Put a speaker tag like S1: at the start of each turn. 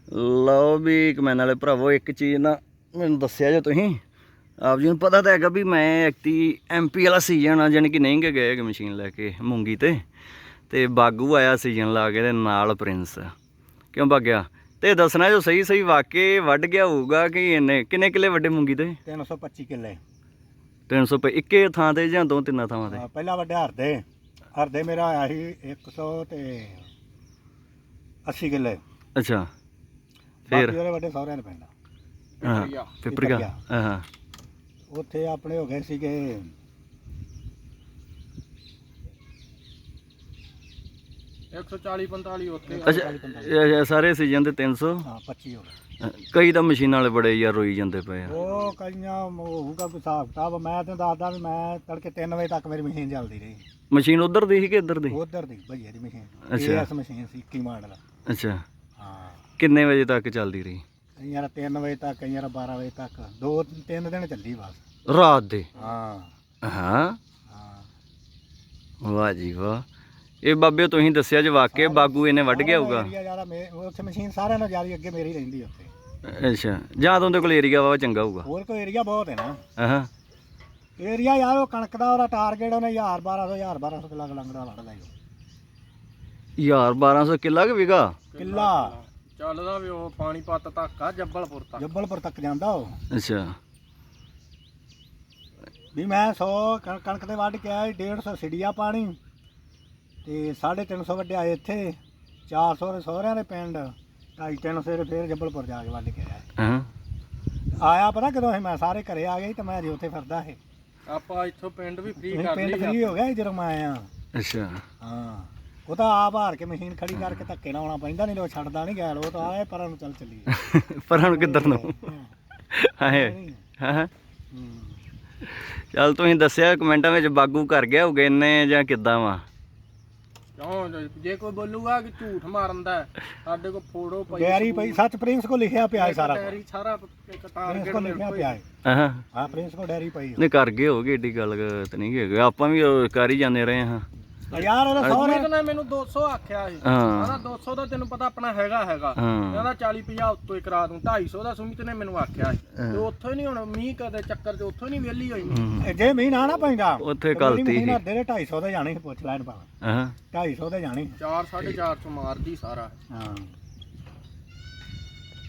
S1: ਲਓ ਵੀ ਕਮੈਨ ਵਾਲੇ ਭਰਾਵੋ, ਇੱਕ ਚੀਜ਼ ਨਾ ਮੈਨੂੰ ਦੱਸਿਆ ਜੇ ਤੁਸੀਂ, ਆਪ ਜੀ ਨੂੰ ਪਤਾ ਤਾਂ ਹੈਗਾ ਵੀ ਮੈਂ ਐਕਟੀ MP ਵਾਲਾ ਸੀਜ਼ਨ ਆ, ਜਾਣੀ ਕਿ ਨਹੀਂ ਗਏ ਹੈਗੇ ਮਸ਼ੀਨ ਲੈ ਕੇ ਮੂੰਗੀ ਤੇ ਬਾਗੂ ਆਇਆ ਸੀਜ਼ਨ ਲਾ ਕੇ, ਤੇ ਨਾਲ ਪ੍ਰਿੰਸ ਕਿਉਂ ਭਾਗਿਆ ਤੇ ਦੱਸਣਾ ਜੋ ਸਹੀ ਵਾਕੇ ਵੱਢ ਗਿਆ ਹੋਊਗਾ ਕਿ ਇਹਨੇ ਕਿੰਨੇ ਕਿੱਲੇ ਵੱਡੇ ਮੂੰਗੀ ਤੇ?
S2: 325 ਕਿੱਲੇ।
S1: 300 ਇੱਕੇ ਥਾਂ ਤੇ ਜਾਂ 2-3 ਥਾਵਾਂ ਤੇ?
S2: ਪਹਿਲਾਂ ਵੱਡਿਆ ਹਰਦੇ ਮੇਰਾ ਆਇਆ ਸੀ 180 ਕਿੱਲੇ।
S1: ਅੱਛਾ,
S2: ਫਿਰ ਉਹਦੇ ਵੱਡੇ ਸਹੁਰਿਆਂ ਨੇ ਪੈਂਦਾ
S1: ਪਿਪਰੀਆ। ਹਾਂ,
S2: ਉੱਥੇ ਆਪਣੇ ਹੋ ਗਏ ਸੀਗੇ
S3: 140-45 ਉੱਥੇ।
S1: ਅੱਛਾ, ਸਾਰੇ ਸੀਜ਼ਨ ਦੇ 300?
S2: ਹਾਂ 25 ਹੋ ਗਏ।
S1: ਕਈ ਤਾਂ ਮਸ਼ੀਨਾਂ ਵਾਲੇ ਬੜੇ ਯਾਰ ਰੋਈ ਜਾਂਦੇ ਪਏ ਆ।
S2: ਉਹ ਕਈਆਂ ਹੋਊਗਾ ਕੋਈ ਹਿਸਾਬ ਕਿਤਾਬ। ਮੈਂ ਤੈਨੂੰ ਦੱਸਦਾ ਵੀ ਮੈਂ ਤੜਕੇ 3 ਵਜੇ ਤੱਕ ਮੇਰੀ ਮਸ਼ੀਨ ਚੱਲਦੀ ਰਹੀ।
S1: ਮਸ਼ੀਨ ਉਧਰ ਦੀ ਸੀ ਕਿ ਇੱਧਰ ਦੀ?
S2: ਉਧਰ ਦੀ ਭਈਏ ਦੀ ਮਸ਼ੀਨ।
S1: ਅੱਛਾ।
S2: ਇਸ ਮਸ਼ੀਨ ਸੀ 21 ਮਾਡਲ।
S1: ਅੱਛਾ,
S2: ਹਾਂ।
S1: ਕਿੰਨੇ ਵਜੇ ਤੱਕ ਚੱਲਦੀ ਰਹੀ?
S2: ਕਈਆਂ 3 ਵਜੇ ਤੱਕ, ਕਈਆਂ 12 ਵਜੇ ਤੱਕ, 2-3 ਦਿਨ ਚੱਲੀ ਬਸ।
S1: ਰਾਤ ਦੇ?
S2: ਹਾਂ
S1: ਹਾਂ,
S2: ਹਾਂ।
S1: ਵਾਹ ਜੀ ਵਾਹ। ਇਹ ਬਾਬੇ ਤੁਸੀਂ ਦੱਸਿਆ ਜੇ ਵਾਕਿਆ ਬਾਗੂ ਇਹਨੇ ਵੱਢ ਗਿਆ ਹੋਊਗਾ?
S2: ਉੱਥੇ ਮਸ਼ੀਨ ਸਾਰਿਆਂ ਨਾਲੋਂ ਜ਼ਿਆਦਾ ਅੱਗੇ ਮੇਰੀ ਰਹਿੰਦੀ ਉੱਥੇ।
S1: ਅੱਛਾ, ਜਾਂ ਤਾਂ ਉਹਦੇ ਕੋਲ ਏਰੀਆ ਵਾ ਚੰਗਾ ਹੋਊਗਾ।
S2: ਹੋਰ ਕੋਈ ਏਰੀਆ ਬਹੁਤ ਹੈ ਨਾ।
S1: ਹਾਂ,
S2: ਏਰੀਆ ਯਾਰ ਉਹ ਕਣਕ ਦਾ ਉਹਦਾ ਟਾਰਗੇਟ ਉਹਨੇ 1200 ਕਿੱਲਾ ਲੰਗੜਾ ਵੱਢਦਾ ਹੀ।
S1: 1200 ਕਿੱਲਾ ਕਿ ਵਿਗਾ?
S2: ਕਿੱਲਾ
S3: ਚੱਲਦਾ ਵੀ ਉਹ ਪਾਣੀਪਤ ਤੱਕ ਆ,
S2: ਜੱਬਲਪੁਰ ਤੱਕ ਜਾਂਦਾ ਉਹ।
S1: ਅੱਛਾ,
S2: ਵੀ ਮੈਂ 100 ਕਣਕ ਦੇ ਵੱਢ ਕੇ ਆਇਆ, 150 ਸਿੜੀਆ ਪਾਣੀ ਤੇ 350 ਵੱਢਿਆ ਇੱਥੇ, 400 ਦੇ ਸਹੁਰਿਆਂ ਦੇ ਪਿੰਡ, 250-300 ਦੇ ਫਿਰ ਜੱਬਲਪੁਰ ਜਾ ਕੇ ਵੱਢ ਕੇ ਆਇਆ। ਆਇਆ ਪਤਾ ਕਦੋਂ ਸੀ ਮੈਂ? ਸਾਰੇ ਘਰੇ ਆ ਗਏ ਤੇ ਮੈਂ ਅਜੇ ਉੱਥੇ ਫਿਰਦਾ ਸੀ।
S3: ਆਪਾਂ ਇੱਥੋਂ ਪਿੰਡ ਵੀ ਫ੍ਰੀ ਕਰ
S2: ਪਿੰਡ ਫ੍ਰੀ ਹੋ ਗਿਆ ਸੀ ਜਦੋਂ ਮੈਂ ਆਇਆ।
S1: ਅੱਛਾ,
S2: ਹਾਂ, ਉਹ ਤਾਂ ਆਪ ਹਾਰ ਕੇ ਮਸ਼ੀਨ ਖੜੀ ਕਰਕੇ ਧੱਕੇ ਨਾਲ ਆਉਣਾ ਪੈਂਦਾ, ਨਹੀਂ ਉਹ ਛੱਡਦਾ ਨਹੀਂ ਗੈਲ। ਉਹ ਤਾਂ ਆਏ ਪਰਾਂ ਨੂੰ ਚੱਲੀ।
S1: ਪਰਾਂ ਨੂੰ ਕਿੱਧਰ ਨੂੰ? ਹਾਂ, ਚੱਲ ਤੁਸੀਂ ਦੱਸਿਆ ਕਮੈਂਟਾਂ ਵਿੱਚ ਬਾਗੂ ਕਰ ਗਿਆ ਹੋਊਗਾ ਇਹਨੇ ਜਾਂ ਕਿੱਦਾਂ ਵਾ?
S3: ਕਿਉਂ ਜੇ ਕੋਈ ਬੋਲੂਗਾ ਕਿ ਝੂਠ ਮਾਰਦਾ, ਸਾਡੇ ਕੋਲ ਫੋਟੋ ਪਈ,
S2: ਡੈਰੀ ਪਈ, ਸੱਚ ਪ੍ਰਿੰਸ ਕੋ ਲਿਖਿਆ ਪਿਆ ਹੈ ਸਾਰਾ।
S3: ਡੈਰੀ ਸਾਰਾ ਇੱਕ ਟਾਰਗੇਟ
S2: ਕੋ ਲਿਖਿਆ ਪਿਆ ਹੈ।
S1: ਹਾਂ
S2: ਹਾਂ, ਪ੍ਰਿੰਸ ਕੋ ਡੈਰੀ ਪਈ
S1: ਨਹੀਂ ਕਰ ਗਏ ਹੋਗੇ, ਏਡੀ ਗੱਲ ਤਾਂ ਨਹੀਂ ਹੈਗੀ, ਆਪਾਂ ਵੀ ਉਹ ਕਰ ਹੀ ਜਾਂਦੇ ਰਹੇ ਹਾਂ।
S2: ਯਾਰ ਉਹਦਾ ਸਹੁਰੇ
S3: ਨੇ ਮੈਨੂੰ 200 ਆਖਿਆ ਸੀ। ਕਹਿੰਦਾ 200 ਦਾ ਤੈਨੂੰ ਪਤਾ ਆਪਣਾ ਹੈਗਾ ਕਹਿੰਦਾ 40-50 ਉੱਤੋਂ ਹੀ ਕਰਾ ਦੂੰ। 250 ਦਾ ਸੁਮਿਤ ਨੇ ਮੈਨੂੰ ਆਖਿਆ ਸੀ। ਤੇ ਉੱਥੋਂ ਹੀ ਨਹੀਂ, ਹੁਣ ਮੀਂਹ ਕਦੇ ਚੱਕਰ ਚ ਉੱਥੋਂ ਹੀ ਨਹੀਂ ਵਿਹਲੀ ਹੋਈ।
S2: ਜੇ ਮੀਂਹ ਨਾ ਪੈਂਦਾ
S1: ਉੱਥੇ ਗਲਤੀ ਸੀ।
S2: 250 ਦੇ ਜਾਣੇ ਪੁੱਛ ਲੈਣ ਭਾਵੇਂ।
S1: ਹਾਂ,
S2: 250 ਦੇ ਜਾਣੇ।
S3: 4-450 ਮਾਰਦੀ ਸਾਰਾ।
S2: ਹਾਂ।